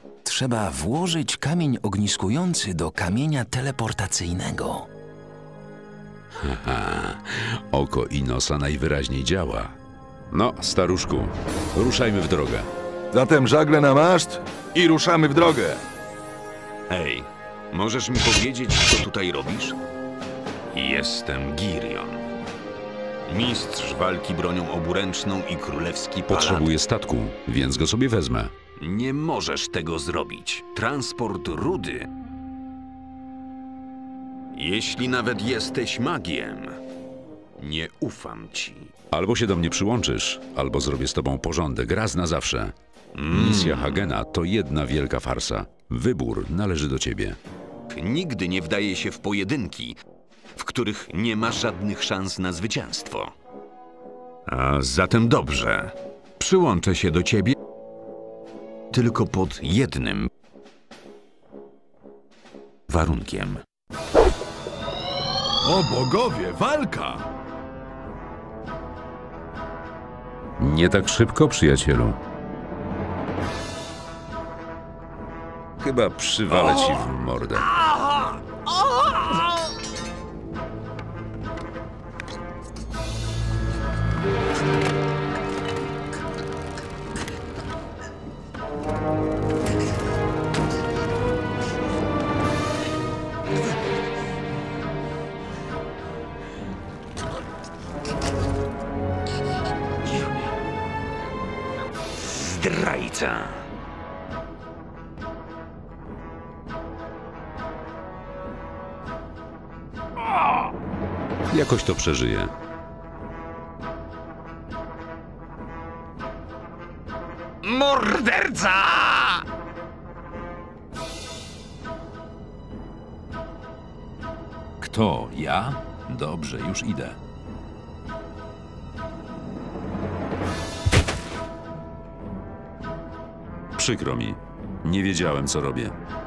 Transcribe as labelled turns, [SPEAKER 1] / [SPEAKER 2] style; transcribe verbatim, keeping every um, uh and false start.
[SPEAKER 1] Trzeba włożyć kamień ogniskujący do kamienia teleportacyjnego.
[SPEAKER 2] Haha, oko Inosa najwyraźniej działa. No, staruszku, ruszajmy w drogę.
[SPEAKER 3] Zatem żagle na maszt i ruszamy w drogę.
[SPEAKER 4] Hej, możesz mi powiedzieć, co tutaj robisz? Jestem Girion. Mistrz walki bronią oburęczną i królewski palat.
[SPEAKER 2] Potrzebuję statku, więc go sobie wezmę.
[SPEAKER 4] Nie możesz tego zrobić. Transport rudy. Jeśli nawet jesteś magiem, nie ufam ci.
[SPEAKER 2] Albo się do mnie przyłączysz, albo zrobię z tobą porządek raz na zawsze. Misja Hagena to jedna wielka farsa. Wybór należy do ciebie.
[SPEAKER 4] Nigdy nie wdaje się w pojedynki, w których nie ma żadnych szans na zwycięstwo. A zatem dobrze. Przyłączę się do ciebie tylko pod jednym warunkiem.
[SPEAKER 3] O bogowie, walka!
[SPEAKER 2] Nie tak szybko, przyjacielu. Chyba przywalę ci w mordę.
[SPEAKER 4] Zdrajca.
[SPEAKER 2] Jakoś to przeżyję.
[SPEAKER 4] Morderca!
[SPEAKER 2] Kto? Ja? Dobrze, już idę. Przykro mi. Nie wiedziałem, co robię.